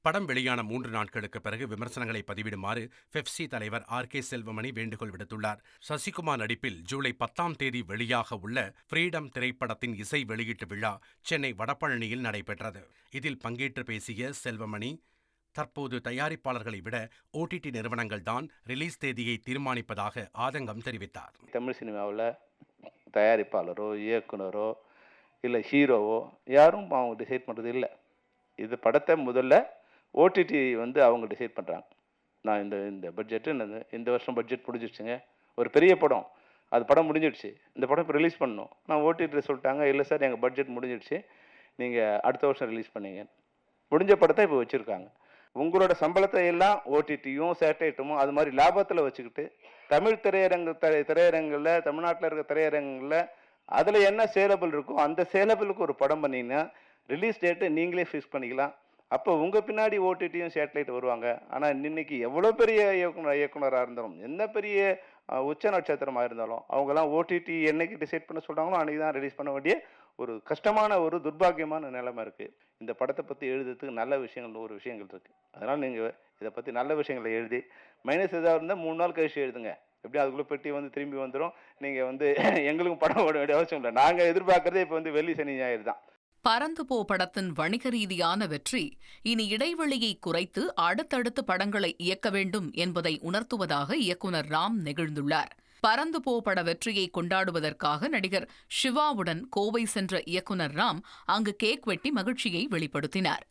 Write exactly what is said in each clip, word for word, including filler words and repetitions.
படம் வெளியான மூன்று நாட்களுக்கு பிறகு விமர்சனங்களை பதிவிடுமாறு பெப்சி தலைவர் ஆர் கே செல்வமணி வேண்டுகோள் விடுத்துள்ளார். சசிகுமார் நடிப்பில் ஜூலை பத்தாம் தேதி வெளியாக உள்ள ஃப்ரீடம் திரைப்படத்தின் இசை வெளியீட்டு விழா சென்னை வடபழனியில் நடைபெற்றது. இதில் பங்கேற்று பேசிய செல்வமணி, தற்போது தயாரிப்பாளர்களை விட ஓடிடி நிறுவனங்கள் தான் ரிலீஸ் தேதியை தீர்மானிப்பதாக ஆதங்கம் தெரிவித்தார். தமிழ் சினிமாவில் தயாரிப்பாளரோ இயக்குனரோ இல்லை ஹீரோவோ யாரும் அவங்க டிசைட் பண்ணுறது இல்லை. இது படத்தை முதல்ல ஓடிடி வந்து அவங்க டிசைட் பண்ணுறாங்க. நான் இந்த இந்த பட்ஜெட்டு இந்த வருஷம் பட்ஜெட் முடிஞ்சிடுச்சுங்க, ஒரு பெரிய படம், அது படம் முடிஞ்சிடுச்சு, இந்த படம் இப்போ ரிலீஸ் பண்ணணும். நான் ஓடிடி சொல்லிட்டாங்க, இல்லை சார் எங்கள் பட்ஜெட் முடிஞ்சிடுச்சு, நீங்கள் அடுத்த வருஷம் ரிலீஸ் பண்ணீங்க. முடிஞ்ச படத்தை இப்போ வச்சுருக்காங்க. உங்களோட சம்பளத்தை எல்லாம் ஓடிடியும் சேட்டலைட்டும் அது மாதிரி லாபத்தில் வச்சுக்கிட்டு தமிழ் திரையரங்கு திரையரங்கில் தமிழ்நாட்டில் இருக்க திரையரங்கில் அதில் என்ன சேலபிள் இருக்கோ அந்த சேலபிளுக்கு ஒரு படம் பண்ணிங்கன்னா ரிலீஸ் டேட்டை நீங்களே ஃபிக்ஸ் பண்ணிக்கலாம். அப்போ உங்கள் பின்னாடி ஓடிடியும் சேட்டலைட் வருவாங்க. ஆனால் இன்னைக்கு எவ்வளோ பெரிய இயக்குனர் இயக்குனராக இருந்தாலும் என்ன பெரிய உச்ச நட்சத்திரமாக இருந்தாலும் அவங்கெல்லாம் ஓடிடி என்னைக்கு டிசைட் பண்ண சொல்கிறாங்களோ அன்றைக்கி தான் ரிலீஸ் பண்ண வேண்டிய ஒரு கஷ்டமான ஒரு துர்பாகியமான நிலைமை இருக்குது. இந்த படத்தை பற்றி எழுதுறதுக்கு நல்ல விஷயங்கள் நூறு விஷயங்கள் இருக்குது. அதனால் நீங்கள் இதை பற்றி நல்ல விஷயங்களை எழுதி மைனஸ் எதாவது இருந்தால் மூணு நாள் கழிச்சு எழுதுங்க. எப்படி அதுக்குள்ளே பெட்டி வந்து திரும்பி வந்துடும். நீங்கள் வந்து எங்களுக்கும் படம் ஓட வேண்டிய அவசியம் இல்லை. நாங்கள் எதிர்பார்க்குறதே இப்போ வந்து வெள்ளி சனி ஞாயிறு தான். பறந்து போ படத்தின் வணிக ரீதியான வெற்றி இனி இடைவெளியை குறைத்து அடுத்தடுத்து படங்களை இயக்க வேண்டும் என்பதை உணர்த்துவதாக இயக்குனர் ராம் நெகிழ்ந்துள்ளார். பறந்து போ பட வெற்றியை கொண்டாடுவதற்காக நடிகர் சிவாவுடன் கோவை சென்ற இயக்குனர் ராம் அங்கு கேக் வெட்டி மகிழ்ச்சியை வெளிப்படுத்தினார்.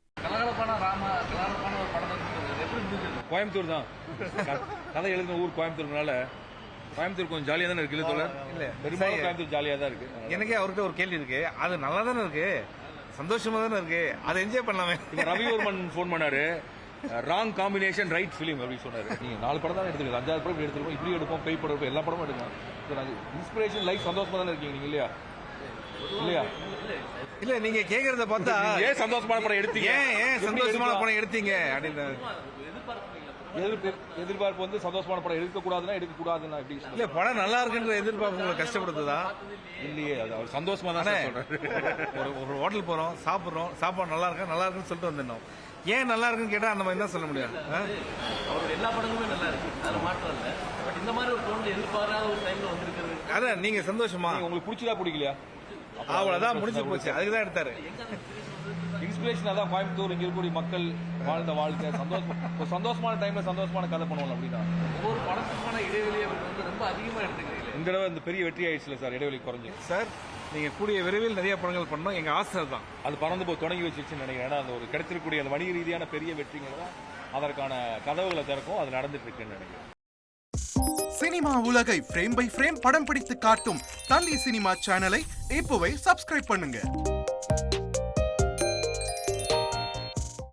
கோயம்புத்தூர் தான் கதை எழுதின ஊர் கோயம்புத்தூர்னால கோயம்புத்தூர் கொஞ்சம் ஜாலியாக தானே இருக்கு. இல்லை பெரும்பாலும் கோயம்புத்தூர் ஜாலியாக தான் இருக்கு. எனக்கே அவர்கிட்ட ஒரு கேள்வி இருக்கு, அது நல்லா தானே இருக்கு, சந்தோஷமா தானே இருக்கு, அதை என்ஜாய் பண்ணலாமே. இப்போ ரவிவர்மன் ஃபோன் பண்ணாரு, ராங் காம்பினேஷன் ரைட் ஃபிலிம் அப்படின்னு சொன்னாரு. நீங்க நாலு படம் தான் எடுத்துக்கலாம், அஞ்சாறு படம் எடுத்துருக்கோம், இப்படி எடுப்போம், பேய் படம் எடுப்போம், எல்லா படமும் எடுக்கலாம். இன்ஸ்பிரேஷன் லைஃப் சந்தோஷமா தானே இருக்கீங்க நீங்க இல்லையா? இல்லையா? இல்ல நீங்க கேக்குறத பார்த்தா ஏன் சந்தோஷமான படம் எடுத்தீங்க, ஏன் சந்தோஷமான படம் எடுத்தீங்க அப்படின்னு எதிர்பார்ப்பு வந்து சந்தோஷமான படம் எடுக்க கூடாதுன்னா எடுக்க கூடாதுன்னா இல்ல படம் நல்லா இருக்குன்ற எதிர்பார்ப்பு உங்களை கஷ்டப்படுத்துதா? இல்லையே, அது அவர் சந்தோஷமா தானே சொல்றாரு. ஒரு ஹோட்டல் போறோம், சாப்பிடுறோம், சாப்பாடு நல்லா இருக்கா நல்லா இருக்குன்னு சொல்லிட்டு வந்துடணும். ஏன் நல்லா இருக்குன்னு கேட்டா அந்த மாதிரி தான் சொல்ல முடியாது. அவர் எல்லா படங்களுமே நல்லா இருக்கு, அது மாற்றம் இல்லை. பட் இந்த மாதிரி ஒரு தோணு எதிர்பாராத ஒரு டைம்ல வந்திருக்கிறது. அதான் நீங்க சந்தோஷமா உங்களுக்கு பிடிச்சதா பிடிக்கலையா அவ்வளவுதான் முடிஞ்சு போச்சு. அதுக்குதான் எடுத்தாரு. இன்ஸ்பிரேஷன் அதான் கோயம்புத்தூர் இங்க இருக்கக்கூடிய மக்கள் வாழ்ந்த வாழ்க்கை சந்தோஷம், சந்தோஷமான டைம்ல சந்தோஷமான கதை பண்ணுவோம் அப்படின்னா. ஒவ்வொரு படத்துக்கான இடைவெளியை வந்து ரொம்ப அதிகமா எடுத்துக்கிறீங்க. இந்த தடவை இந்த பெரிய வெற்றி ஆயிடுச்சுல சார், இடைவெளி குறைஞ்சு சார். நீங்க கூடிய விரைவில் நிறைய படங்கள் பண்ணோம், எங்க ஆசை தான். அது பறந்து போய் தொடங்கி வச்சிருச்சுன்னு நினைக்கிறேன். ஏன்னா அந்த ஒரு கிடைச்சிருக்கக்கூடிய அந்த வணிக ரீதியான பெரிய வெற்றிகள் தான் அதற்கான கதவுகளை திறக்கும். அது நடந்துட்டு இருக்குன்னு நினைக்கிறேன். சினிமா உலகை ஃப்ரேம் பை ஃப்ரேம் படம் பிடித்து காட்டும் தந்தி சினிமா சேனலை இப்போவே சப்ஸ்கிரைப் பண்ணுங்க.